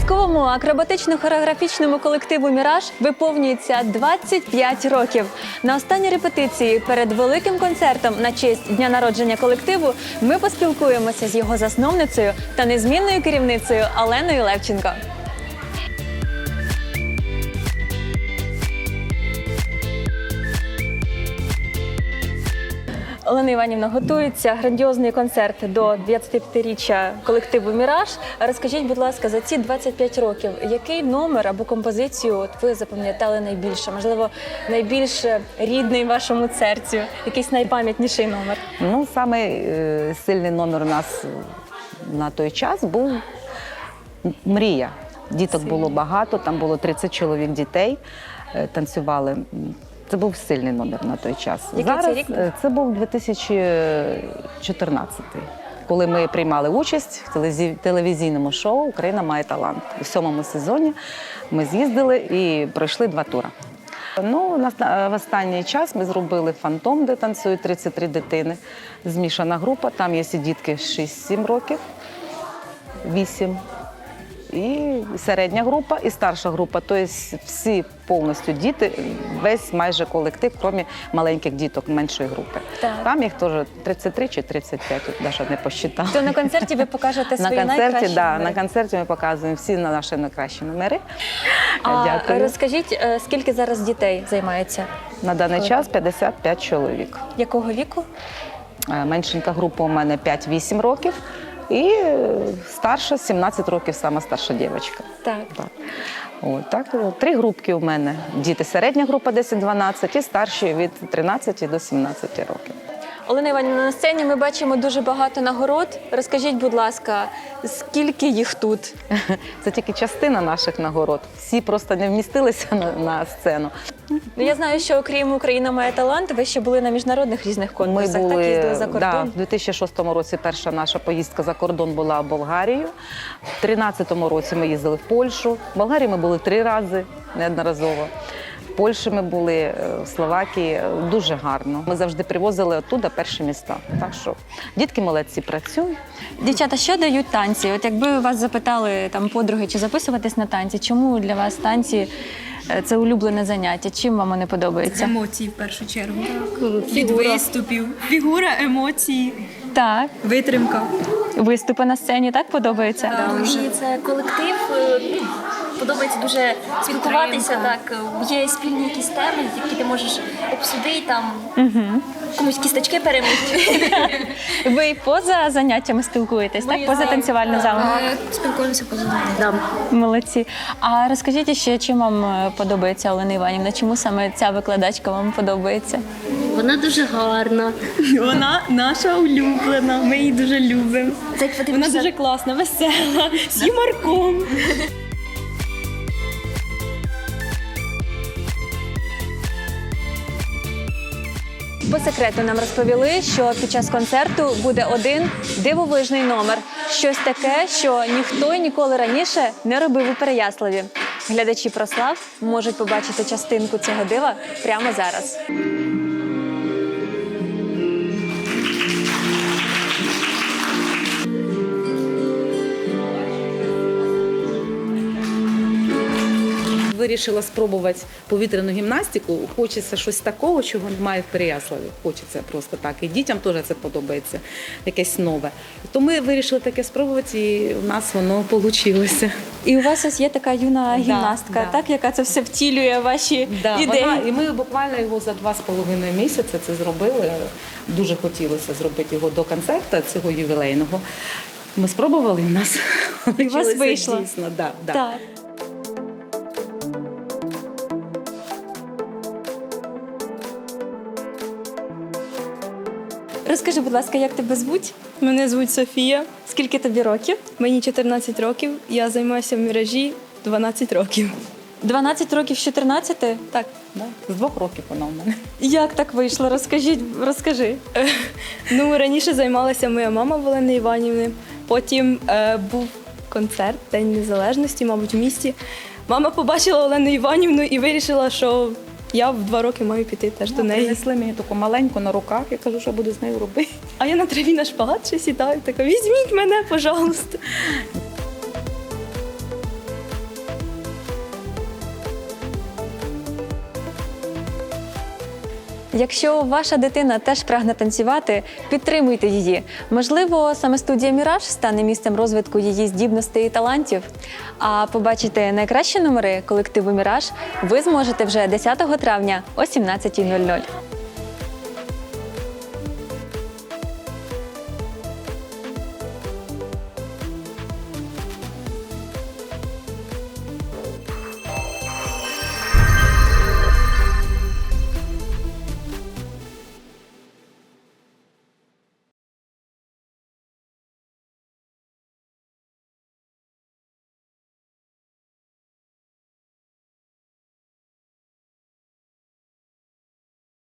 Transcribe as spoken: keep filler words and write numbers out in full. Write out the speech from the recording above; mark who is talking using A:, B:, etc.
A: Казковому акробатично-хореографічному колективу «Міраж» виповнюється двадцять п'ять років. На останній репетиції перед великим концертом на честь дня народження колективу ми поспілкуємося з його засновницею та незмінною керівницею Оленою Левченко. Олена Іванівна, готується грандіозний концерт до двадцятип'ятиріччя колективу «Міраж». Розкажіть, будь ласка, за ці двадцять п'ять років, який номер або композицію от ви запам'ятали найбільше? Можливо, найбільш рідний вашому серцю, якийсь найпам'ятніший номер?
B: Ну, самий е, сильний номер у нас на той час був «Мрія». Діток було багато, там було тридцять чоловік дітей, е, танцювали. Це був сильний номер на той час.
A: Який
B: Зараз
A: це рік?
B: це був дві тисячі чотирнадцятий, коли ми приймали участь в телевізій- телевізійному шоу «Україна має талант». У сьомому сезоні ми з'їздили і пройшли два тури. Ну, на- в останній час ми зробили «Фантом», де танцюють тридцять три дитини. Змішана група, там є і дітки шість-сім років, вісім. І середня група, і старша група. Тобто всі повністю діти, весь майже колектив, крім маленьких діток меншої групи.
A: Так.
B: Там їх теж тридцять три чи тридцять п'ять, навіть не посчитала.
A: То на концерті ви покажете
B: На
A: свої
B: концерті,
A: найкращі
B: да,
A: номери.
B: на концерті ми показуємо всі наші найкращі номери.
A: А
B: Дякую.
A: розкажіть, е, скільки зараз дітей займається?
B: На даний час п'ятдесят п'ять чоловік.
A: Якого віку?
B: Е, Меншенька група у мене п'ять-вісім років. І е, старша, сімнадцять років, сама старша дівчинка.
A: Так.
B: Так. От, так, от, три групки у мене. Діти середня група десять-дванадцять і старші від тринадцяти до сімнадцяти років.
A: Олена Іванівна, на сцені ми бачимо дуже багато нагород. Розкажіть, будь ласка, скільки їх тут?
B: Це тільки частина наших нагород. Всі просто не вмістилися на, на сцену.
A: Ну, я знаю, що окрім «Україна має талант», ви ще були на міжнародних різних
B: Ми
A: конкурсах,
B: були,
A: так їздили за
B: да,
A: кордон.
B: в дві тисячі шостому році перша наша поїздка за кордон була в Болгарію. В дві тисячі тринадцятому році ми їздили в Польщу. В Болгарії ми були три рази неодноразово. В Польщі ми були, в Словакії. Дуже гарно. Ми завжди привозили оттуда перші міста. Так що дітки молодці працюють.
A: Дівчата, що дають танці? От якби вас запитали там подруги, чи записуватись на танці, чому для вас танці е, це улюблене заняття? Чим вам вони подобаються?
C: Емоції в першу чергу. Від виступів. Фігура, емоції,
A: Так,
C: витримка.
A: виступи на сцені так подобаються?
D: Мені це колектив. е, Подобається дуже спілкуватися. Так, е, є спільні якісь теми, які ти можеш обсудити, там комусь кісточки перемити.
A: Ви і поза заняттями спілкуєтесь, так? Поза танцювальним залом?
D: Спілкуємося поза нами.
A: Молодці. А розкажіть ще, чим вам е, подобається Олена Іванівна? Чому саме ця викладачка вам подобається?
D: Вона дуже гарна.
C: Вона наша улюблена, ми її дуже любимо.
D: Це як
C: Вона дуже класна, весела, з юморком.
A: По секрету нам розповіли, що під час концерту буде один дивовижний номер. Щось таке, що ніхто й ніколи раніше не робив у Переяславі. Глядачі «Прослав» можуть побачити частинку цього дива прямо зараз.
E: Вирішила спробувати повітряну гімнастику. Хочеться щось такого, чого немає в Переяславі. Хочеться просто так. І дітям теж це подобається, якесь нове. То ми вирішили таке спробувати, і в нас воно вийшло.
A: І у вас ось є така юна гімнастка,
E: да.
A: так, яка це все втілює ваші ідеї.
E: Вона, і ми буквально його за два з половиною місяці це зробили. Дуже хотілося зробити його до концерту цього ювілейного. Ми спробували, і в нас
A: І у вас
E: вийшло,
A: вийшло.
E: дійсно. Да, да.
A: Так. Розкажи, будь ласка, як тебе звуть?
C: Мене звуть Софія,
A: Скільки тобі років?
C: мені чотирнадцять років, я займаюся в «Міражі» дванадцять років.
A: дванадцять років з чотирнадцяти?
C: Так.
B: Да? З двох років вона у мене.
A: Як так вийшло? Розкажіть, розкажи.
C: Ну, раніше займалася моя мама в Олени Іванівни, потім е, був концерт День Незалежності, мабуть, в місті. Мама побачила Олену Іванівну і вирішила, що я в два роки маю піти теж до неї.
B: Принесли мені таку маленьку на руках, я кажу, що буду з нею робити.
C: А я на траві на шпагат ще сідаю, така, візьміть мене, пожалуйста.
A: Якщо ваша дитина теж прагне танцювати, підтримуйте її. Можливо, саме студія «Міраж» стане місцем розвитку її здібностей і талантів. А побачити найкращі номери колективу «Міраж» ви зможете вже десятого травня о сімнадцятій нуль нуль.